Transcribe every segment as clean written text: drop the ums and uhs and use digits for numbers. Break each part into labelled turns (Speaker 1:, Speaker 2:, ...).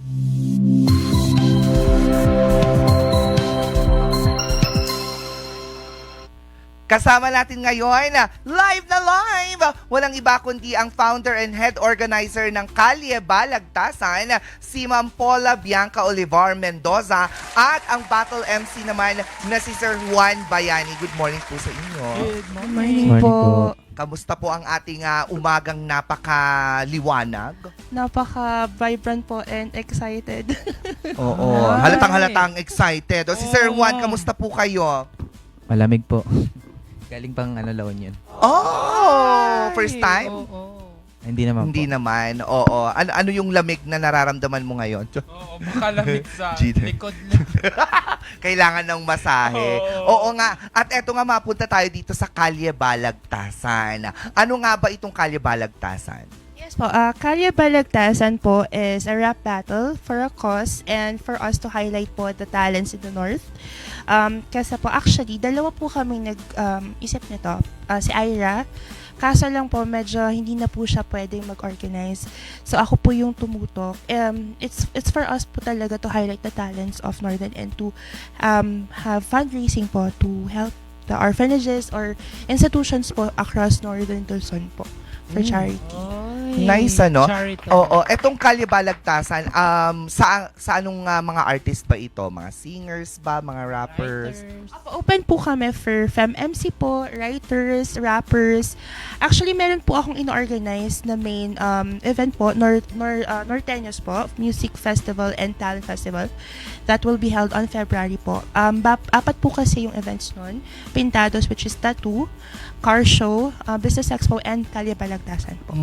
Speaker 1: Kasama natin ngayon, live na live! Walang iba kundi ang founder and head organizer ng Kalye Balagtasan, si Ma'am Paula Bianca Olivar Mendoza, at ang battle MC naman na si Sir Juan Bayani. Good morning po sa inyo.
Speaker 2: Good
Speaker 3: Morning po.
Speaker 1: Kamusta po ang ating umagang napakaliwanag?
Speaker 3: Napaka-vibrant po and excited.
Speaker 1: Oo, halatang-halatang excited. O si Sir Juan, kamusta po kayo?
Speaker 2: Malamig po. Galing pang La Union.
Speaker 1: Oh, first time?
Speaker 2: Hindi naman
Speaker 1: Hindi
Speaker 2: po.
Speaker 1: naman, oo. Ano yung lamig na nararamdaman mo ngayon?
Speaker 4: Oo, makalamig sa
Speaker 1: Gina.
Speaker 4: likod lang.
Speaker 1: Kailangan ng masahe. Oo nga. At eto nga, mapunta tayo dito sa Kalye Balagtasan. Ano nga ba itong Kalye Balagtasan?
Speaker 3: Yes po, Kalye Balagtasan po is a rap battle for a cause and for us to highlight po the talents in the North. Kasi po actually, dalawa po kami nag-isip nito. Si Ira, kaso lang po medyo hindi na po siya pwedeng mag-organize. So ako po yung tumutok. It's for us po talaga to highlight the talents of Northern and to have fundraising po to help the orphanages or institutions po across Northern Luzon po for charity.
Speaker 1: Nice, ano?
Speaker 4: Charity.
Speaker 1: Oo. Etong Kalye Balagtasan, sa anong mga artist ba ito? Mga singers ba? Mga rappers?
Speaker 3: Open po kami for FemMC po, writers, rappers. Actually, meron po akong in-organize na main event po, Norteños po, Music Festival and Talent Festival. That will be held on February po. Apat po kasi yung events nun. Pintados, which is tattoo, car show, business expo, and Kalye Balagtasan po.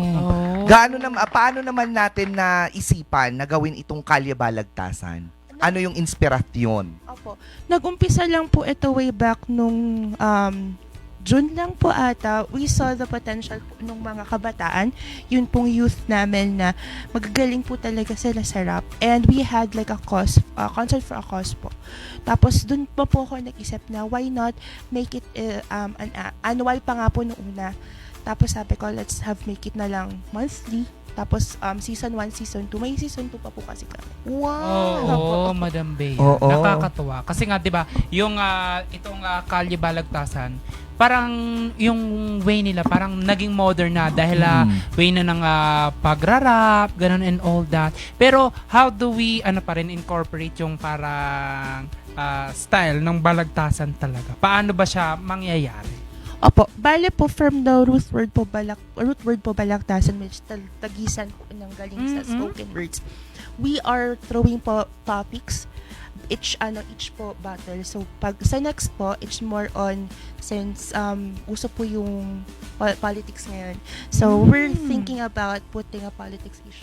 Speaker 1: Paano naman natin na isipan na gawin itong Kalye Balagtasan? Ano yung inspirasyon?
Speaker 3: Opo. Nag-umpisa lang po ito way back nung June lang po ata. We saw the potential po ng mga kabataan. Yun pong youth namin na magagaling po talaga sila sa rap. And we had like a cause, concert for a cause po. Tapos dun po ako nag-isip na why not make it an annual pa nga po nung una. Tapos sabi ko, make it na lang monthly. Tapos season 1, season 2. May season 2 pa po kasi kami.
Speaker 4: Oo, Madam Bea.
Speaker 1: Oo.
Speaker 4: Nakakatuwa. Kasi nga, di ba, yung itong Kalye Balagtasan, parang yung way nila, parang naging modern na dahil way na ng pagrarap, ganun and all that. Pero how do we, incorporate yung parang style ng balagtasan talaga? Paano ba siya mangyayari?
Speaker 3: Opo, bale po from the root word po balagtasan, which tagisan po ng galing sa spoken words. We are throwing po topics each po battle. So pag sa next po, it's more on since uso po yung politics ngayon. So we're thinking about putting a politics issue.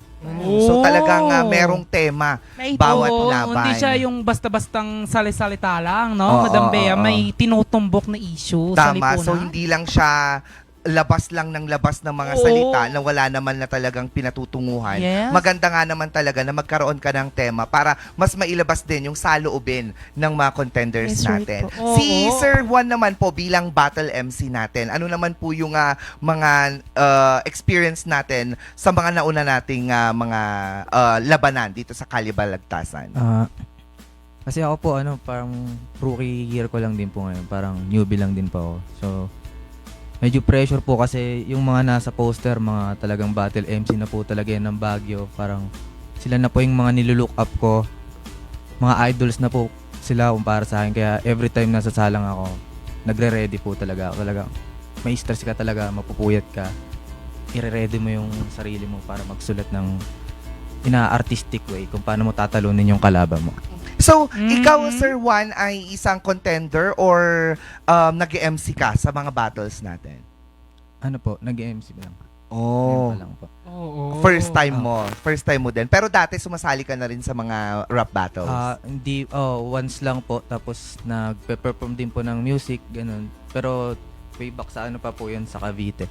Speaker 1: So talagang merong tema
Speaker 3: May
Speaker 1: bawat
Speaker 4: Oo,
Speaker 1: laban.
Speaker 4: hindi siya yung basta-bastang sali-salita lang, no?
Speaker 1: Oo,
Speaker 4: Madam Bea,
Speaker 1: oo.
Speaker 4: may tinutumbok na issue sa
Speaker 1: Tama.
Speaker 4: lipunan.
Speaker 1: So hindi lang siya labas lang ng labas ng mga
Speaker 4: Oo.
Speaker 1: salita na wala naman na talagang pinatutunguhan.
Speaker 4: Yes.
Speaker 1: Maganda nga naman talaga na magkaroon ka ng tema para mas mailabas din yung saloobin ng mga contenders
Speaker 3: Yes, right
Speaker 1: natin.
Speaker 4: po.
Speaker 1: Si
Speaker 4: Oo.
Speaker 1: Sir Juan naman po bilang battle MC natin, ano naman po yung mga experience natin sa mga nauna nating mga labanan dito sa Kalye Balagtasan?
Speaker 2: Kasi ako po, parang rookie year ko lang din po ngayon. Parang newbie lang din po ako. So, medyo pressure po kasi yung mga nasa poster, mga talagang battle MC na po talaga yan ng Baguio. Parang sila na po yung mga nilulook up ko. Mga idols na po sila para sa akin. Kaya every time nasa salang ako, nagre-ready po talaga. Talagang may stress ka talaga, mapupuyat ka. I-ready mo yung sarili mo para magsulat ng ina-artistic way kung paano mo tatalunin yung kalaban mo.
Speaker 1: So, ikaw, Sir Juan, ay isang contender or nag-MC ka sa mga battles natin?
Speaker 2: Ano po, nag-MC lang.
Speaker 1: Oh.
Speaker 2: Ngayon pa lang po.
Speaker 4: Oo.
Speaker 1: First time mo. First time mo din. Pero dati sumasali ka na rin sa mga rap battles.
Speaker 2: Hindi, once lang po. Tapos nagpe-perform din po ng music, ganun. Pero way back sa ano pa po yun, sa Cavite.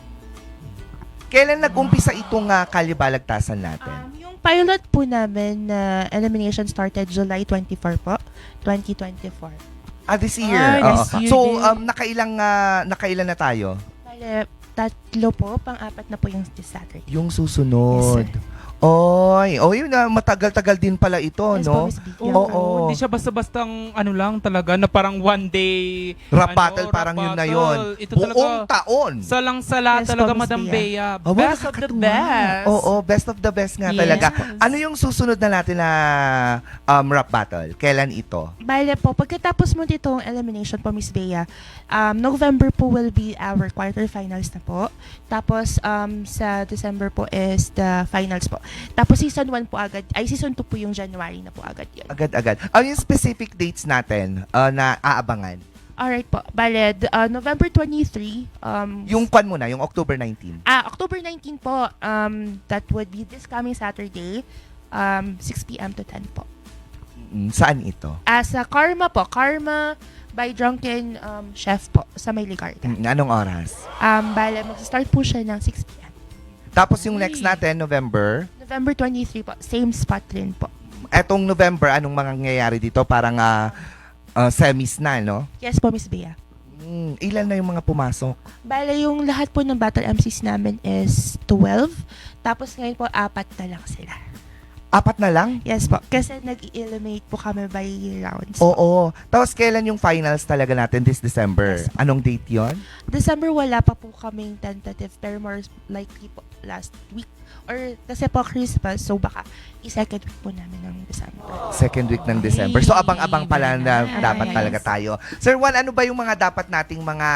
Speaker 1: Kailan nag-umpisa itong Kalye Balagtasan natin?
Speaker 3: Yung pilot po namin na elimination started July 24 po, 2024.
Speaker 1: This year.
Speaker 4: Ay,
Speaker 1: Oo.
Speaker 4: this year
Speaker 1: So,
Speaker 4: din.
Speaker 1: nakailan na tayo?
Speaker 3: Bale, 3 po, pang-apat na po yung this Saturday.
Speaker 1: Yung susunod.
Speaker 3: Yes,
Speaker 1: Yun na, matagal-tagal din pala ito,
Speaker 3: Yes
Speaker 1: no?
Speaker 3: po, Miss B.
Speaker 1: Oo.
Speaker 4: Hindi siya basta-bastang ano lang talaga na parang one day
Speaker 1: Rap
Speaker 4: ano,
Speaker 1: battle,
Speaker 4: rap
Speaker 1: parang yun na
Speaker 4: battle.
Speaker 1: yun.
Speaker 4: Ito
Speaker 1: Buong
Speaker 4: talaga
Speaker 1: taon.
Speaker 4: salang-sala
Speaker 3: Yes
Speaker 4: talaga,
Speaker 3: po, Miss
Speaker 4: Madam
Speaker 3: Bea.
Speaker 4: Bea.
Speaker 1: Oh,
Speaker 4: Best of the
Speaker 1: nakakatuwa.
Speaker 4: best.
Speaker 1: Oo, best of the best nga
Speaker 3: Yes.
Speaker 1: talaga. Ano yung susunod na natin na rap battle? Kailan ito?
Speaker 3: Bale po, pagkatapos mo ditong elimination po, Miss Bea, November po will be our quarterfinals na po. Tapos, sa December po is the finals po. Tapos, season 1 po agad, season 2 po yung January na po agad yun.
Speaker 1: Agad-agad. Ano yung specific dates natin na aabangan?
Speaker 3: Alright po, bale, November 23,
Speaker 1: Yung kwan muna, yung October 19.
Speaker 3: October 19 po, that would be this coming Saturday, 6 p.m. to 10 po.
Speaker 1: Saan ito?
Speaker 3: Sa Karma po, Karma by Drunken Chef po, sa May Ligarda.
Speaker 1: Anong oras?
Speaker 3: Bale, mag-start po siya ng 6 p.m.
Speaker 1: Tapos yung next natin, November.
Speaker 3: November 23 po, same spot rin po.
Speaker 1: Etong November, anong mangyayari dito? Parang semis na, no?
Speaker 3: Yes po, Miss Bea.
Speaker 1: Ilan na yung mga pumasok?
Speaker 3: Bale, yung lahat po ng battle MCs namin is 12. Tapos ngayon po, 4 na lang sila.
Speaker 1: 4 na lang?
Speaker 3: Yes po, kasi nag-eliminate po kami by rounds.
Speaker 1: Oo. Tapos kailan yung finals talaga natin this December?
Speaker 3: Yes.
Speaker 1: Anong date yon?
Speaker 3: December wala pa po kaming tentative, pero more likely po last week. Or kasi po Christmas, so baka i-second week po namin ng December.
Speaker 1: Second week ng December. So abang-abang pala na
Speaker 4: Very nice.
Speaker 1: dapat
Speaker 3: Yes.
Speaker 1: talaga tayo. Sir Juan, ano ba yung mga dapat nating mga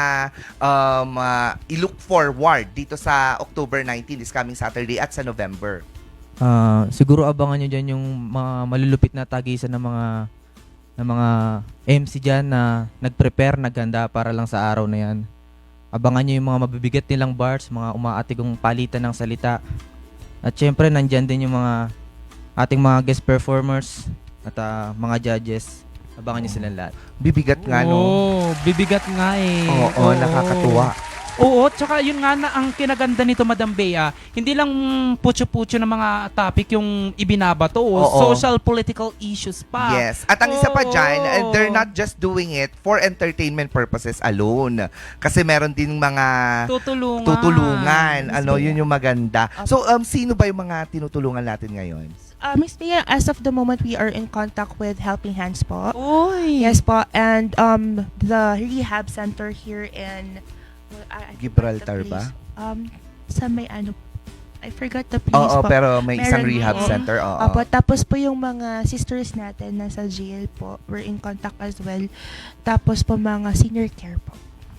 Speaker 1: i-look forward dito sa October 19, this coming Saturday, at sa November?
Speaker 2: Siguro abangan nyo dyan yung mga malulupit na tagisan ng mga MC dyan na nag-prepare, naghanda para lang sa araw na yan. Abangan nyo yung mga mabibigat nilang bars, mga umaatigong palitan ng salita. At syempre, nandyan din yung mga ating mga guest performers at mga judges. Abangan nyo silang lahat.
Speaker 1: Bibigat nga, no?
Speaker 4: Oo, bibigat nga eh.
Speaker 1: Oo, nakakatuwa.
Speaker 4: Oo, tsaka yun nga na ang kinaganda nito, Madam Bea, hindi lang putyo-putyo ng mga topic yung ibinabato,
Speaker 1: Oo.
Speaker 4: social political issues pa.
Speaker 1: Yes. At ang isa pa
Speaker 4: Oo.
Speaker 1: dyan, they're not just doing it for entertainment purposes alone. Kasi meron din mga tutulungan. Ano, yun yung maganda. So, sino ba yung mga tinutulungan natin ngayon?
Speaker 3: Miss Bea, as of the moment, we are in contact with Helping Hands po.
Speaker 4: Uy.
Speaker 3: Yes po, and the rehab center here in I forgot
Speaker 1: Gibraltar
Speaker 3: the
Speaker 1: ba?
Speaker 3: place. Sa may I forgot the place
Speaker 1: Oo,
Speaker 3: po.
Speaker 1: pero may isang
Speaker 3: Meron
Speaker 1: rehab
Speaker 3: din.
Speaker 1: center. Oo.
Speaker 3: Opo, tapos po yung mga sisters natin nasa jail po, we're in contact as well. Tapos po mga senior care po.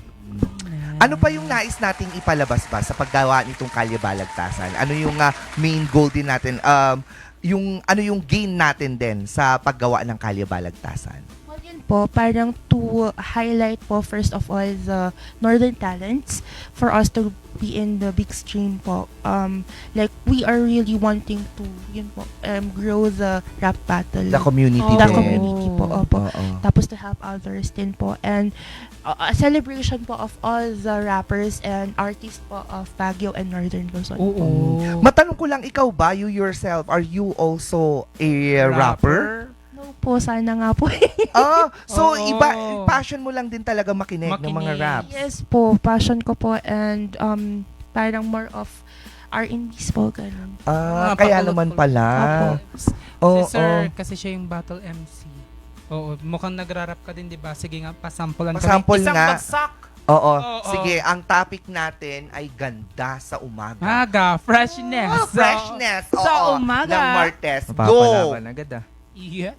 Speaker 1: Ano pa yung nais nating ipalabas ba sa paggawa nitong Kalye Balagtasan? Ano yung main goal din natin? Ano yung gain natin din sa paggawa ng Kalye Balagtasan?
Speaker 3: Well, yun po, parang to highlight po first of all the northern talents for us to be in the big stream po. Like we are really wanting to grow the rap battle.
Speaker 1: The community
Speaker 3: The
Speaker 1: din.
Speaker 3: community po, opo.
Speaker 1: Oo.
Speaker 3: Tapos to help others din po. And a celebration po of all the rappers and artists po of Baguio and Northern Luzon.
Speaker 4: Oo.
Speaker 1: Matanong ko lang, ikaw ba, you yourself, are you also a rapper?
Speaker 3: No po, sana nga po.
Speaker 1: So
Speaker 4: Oo.
Speaker 1: iba, passion mo lang din talaga makinig ng mga
Speaker 4: Makinig.
Speaker 1: raps.
Speaker 3: Yes po, passion ko po and parang more of R&B's po, ganun.
Speaker 1: Kaya
Speaker 4: Patulog
Speaker 1: naman
Speaker 4: po.
Speaker 1: pala.
Speaker 4: Si
Speaker 1: Oo.
Speaker 4: Sir, kasi siya yung battle MC. Oo, mukhang nagra-rap ka din, di ba? Sige nga, pasampulan
Speaker 1: Pasample
Speaker 4: Isang
Speaker 1: nga.
Speaker 4: bagsak!
Speaker 1: Oo.
Speaker 4: Oo.
Speaker 1: Sige, ang topic natin ay ganda sa umaga.
Speaker 4: Maga, freshness.
Speaker 1: Freshness.
Speaker 4: Sa
Speaker 1: Oo,
Speaker 4: umaga.
Speaker 1: ng Martes. Go!
Speaker 2: Mapapalaban agad
Speaker 4: Yeah.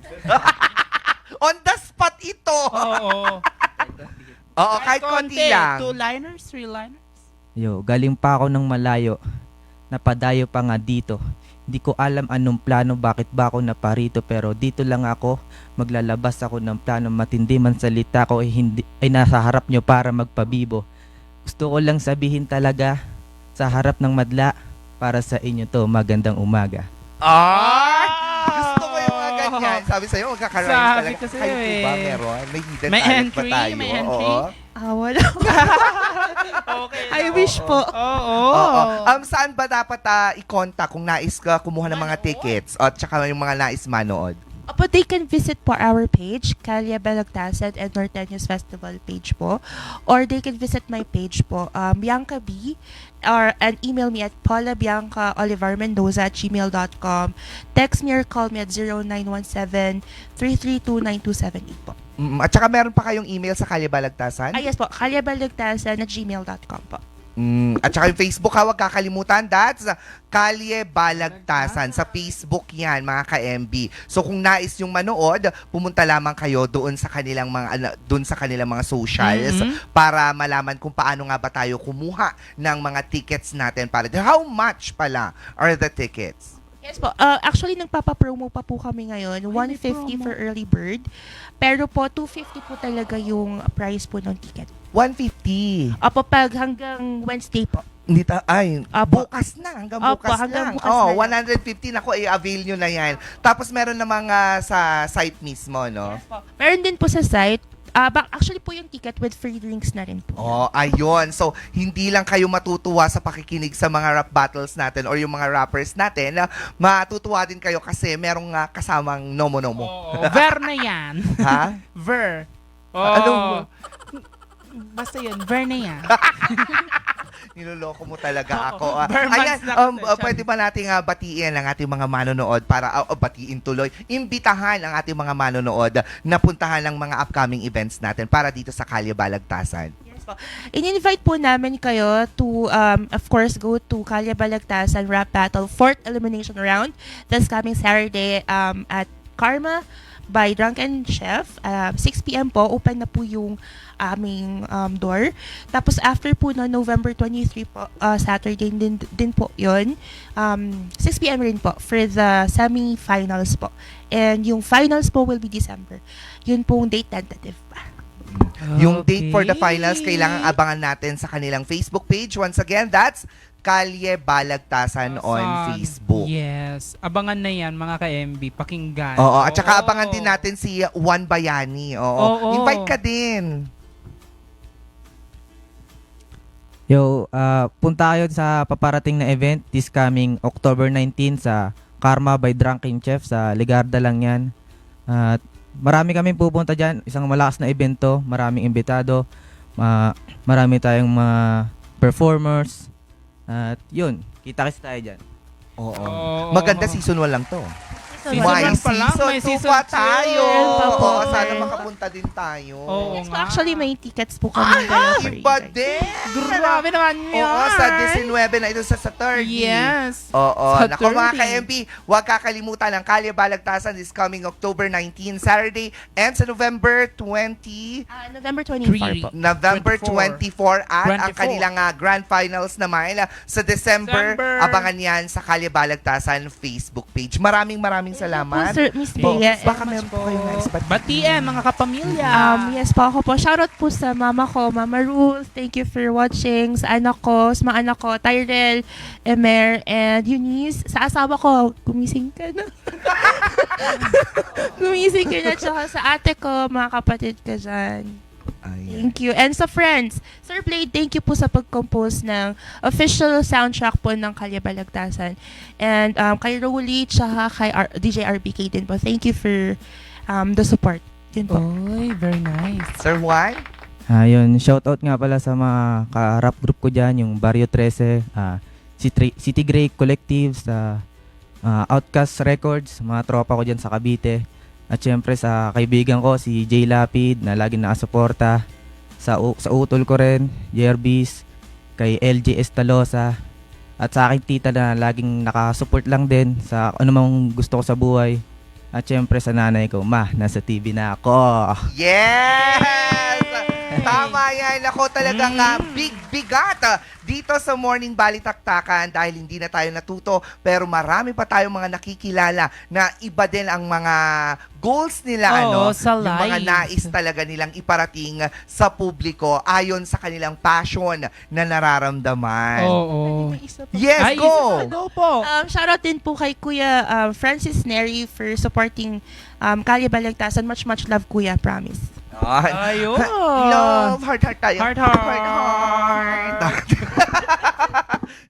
Speaker 1: On the spot ito.
Speaker 4: Oo.
Speaker 1: Oo, kahit konti lang.
Speaker 4: Two-liners, three-liners.
Speaker 2: Yo, galing pa ako ng malayo. Napadayo pa nga dito. Hindi ko alam anong plano, bakit ba ako naparito, pero dito lang ako. Maglalabas ako ng plano, matindi man salita ko ay nasa harap nyo para magpabibo. Gusto ko lang sabihin talaga sa harap ng madla, para sa inyo to, magandang umaga.
Speaker 1: Gusto ko yung mga ganyan. Sabi sa'yo, magkakaroon
Speaker 4: Sabi
Speaker 1: talaga.
Speaker 4: ko sa'yo
Speaker 1: Kayo po ba
Speaker 4: eh.
Speaker 1: meron? May hidden
Speaker 4: May
Speaker 1: talent
Speaker 4: entry,
Speaker 1: ba tayo?
Speaker 4: may entry.
Speaker 1: Oo.
Speaker 3: Wala.
Speaker 4: Okay.
Speaker 3: I wish po.
Speaker 4: Oo.
Speaker 1: Oo. Saan ba dapat i-contact kung nais ka kumuha ng mga tickets at saka yung mga nais manood?
Speaker 3: Opo, they can visit po our page, Calle Balagtasan and Norteños Festival page po. Or they can visit my page po, Bianca B, and email me at paulabiancaolivarmendoza@gmail.com. Text me or call me at 0917-332-9278 po.
Speaker 1: At saka meron pa kayong email sa Kalye Balagtasan?
Speaker 3: Yes po, callebalagtasan@gmail.com po.
Speaker 1: At saka yung Facebook, huwag kakalimutan, that's Kalye Balagtasan. Sa Facebook yan, mga ka-MB. So kung nais yung manood, pumunta lamang kayo doon sa kanilang mga socials para malaman kung paano nga ba tayo kumuha ng mga tickets natin para how much pala are the tickets?
Speaker 3: Yes po. Actually, nagpapapromo pa po kami ngayon. 150 for early bird. Pero po, 250 po talaga yung price po ng ticket.
Speaker 1: 150.
Speaker 3: Opo, pag hanggang Wednesday po.
Speaker 1: Bukas na. Hanggang
Speaker 3: Opo,
Speaker 1: bukas
Speaker 3: hanggang
Speaker 1: lang.
Speaker 3: bukas na lang.
Speaker 1: 150 na i-avail nyo na yan. Tapos meron na mga sa site mismo, no?
Speaker 3: Yes po. Meron din po sa site. Actually po yung ticket with free drinks na rin po.
Speaker 1: Ayun. So, hindi lang kayo matutuwa sa pakikinig sa mga rap battles natin or yung mga rappers natin. Matutuwa din kayo kasi merong kasamang nomo-nomo.
Speaker 4: Ver na yan.
Speaker 1: Ha?
Speaker 4: Ver.
Speaker 1: Ano?
Speaker 4: Basta yun, ver na yan.
Speaker 1: Niloloko mo talaga ako.
Speaker 4: Bermans na kasi.
Speaker 1: Pwede ba nating batiin ang ating mga manonood para batiin tuloy? Imbitahan ang ating mga manonood na puntahan ng mga upcoming events natin para dito sa Kalye Balagtasan.
Speaker 3: Yes po. In-invite po namin kayo to, of course, go to Calle Balagtasan Rap Battle 4th Elimination Round. That's coming Saturday at Karma by Drunken Chef. 6 p.m. po, open na po yung aming door. Tapos after po no, November 23 po, Saturday din po yun. 6 p.m. rin po for the semi-finals po. And yung finals po will be December. Yun pong date tentative pa.
Speaker 1: Yung date for the finals, kailangan abangan natin sa kanilang Facebook page. Once again, that's Kalye Balagtasan on Facebook.
Speaker 4: Yes. Abangan na yan, mga ka-MB. Pakinggan.
Speaker 1: Oo, at saka abangan din natin si Juan Bayani. Oo. Invite ka din.
Speaker 2: Yo, punta kayo sa paparating na event this coming October 19 sa Karma by Drunken Chef sa Ligarda lang yan. At marami kaming pupunta dyan. Isang malakas na evento. Maraming imbitado. Marami tayong mga performers. At yun, kita-kits tayo dyan.
Speaker 1: Oo. Maganda season 1 lang to.
Speaker 4: Season
Speaker 1: May
Speaker 4: 1 pa lang,
Speaker 1: season
Speaker 4: may
Speaker 1: 2
Speaker 4: season
Speaker 1: pa
Speaker 4: 2.
Speaker 1: tayo.
Speaker 3: Meron pa po.
Speaker 1: Oo, sana makapunta din tayo.
Speaker 4: Oo
Speaker 3: Yes po,
Speaker 4: nga.
Speaker 3: actually may tickets po kami.
Speaker 1: Iba din.
Speaker 4: Grabe naman yun.
Speaker 1: Oo, sa 19 na ito sa 30.
Speaker 4: Yes.
Speaker 1: Oo.
Speaker 4: Sa
Speaker 1: Naku mga
Speaker 4: 30.
Speaker 1: ka-MB, huwag kakalimutan ang Kalye Balagtasan is coming October 19, Saturday, and sa November 20,
Speaker 3: November 24 po.
Speaker 1: November 24 at ang
Speaker 4: 24.
Speaker 1: kanilang grand finals naman sa December. Abangan yan sa Kalye Balagtasan Facebook page. Maraming salamat.
Speaker 3: Sir, Miss
Speaker 1: Po,
Speaker 3: Bea.
Speaker 1: baka meron po kayong nais
Speaker 4: Batiin, mga kapamilya.
Speaker 3: Yes po, ako po. Shoutout po sa mama ko, Mama Ruth. Thank you for watching. Sa anak ko, sa mga anak ko, Tyrell, Emer, and Eunice. Sa asawa ko, gumising ka na. Gumising ka na. Tsaka sa ate ko, mga kapatid ka dyan. Thank you. And sa friends, Sir Blade, thank you po sa pag-compose ng official soundtrack po ng Kalye Balagtasan. And kay Rolly, tsaka kay DJ RBK din po. Thank you for the support. Yun po.
Speaker 4: Oy, very nice.
Speaker 1: Sir Juan?
Speaker 2: Yun, shoutout nga pala sa mga ka-rap group ko dyan, yung Barrio 13, City Grey Collective, sa Outcast Records, mga tropa ko dyan sa Cavite. At syempre sa kaibigan ko, si Jay Lapid, na laging nakasuporta. Sa utol ko rin, Yerbis, kay LJ Estalosa. At sa aking tita na laging nakasupport lang din sa anumang gusto ko sa buhay. At syempre sa nanay ko, Ma, nasa TV na ako.
Speaker 1: Yes! Tama yan. Ako talagang bigat dito sa Morning Balitaktakan dahil hindi na tayo natuto pero marami pa tayong mga nakikilala na iba din ang mga goals nila.
Speaker 4: Sa
Speaker 1: yung mga
Speaker 4: life.
Speaker 1: nais talaga nilang iparating sa publiko ayon sa kanilang passion na nararamdaman.
Speaker 4: Oo.
Speaker 1: Yes, go!
Speaker 4: Go po.
Speaker 3: Shoutout din po kay Kuya Francis Neri for supporting Kalye Balagtasan. Much love, Kuya. Promise.
Speaker 4: Ayun.
Speaker 1: Love, heart tayo.
Speaker 4: Heart.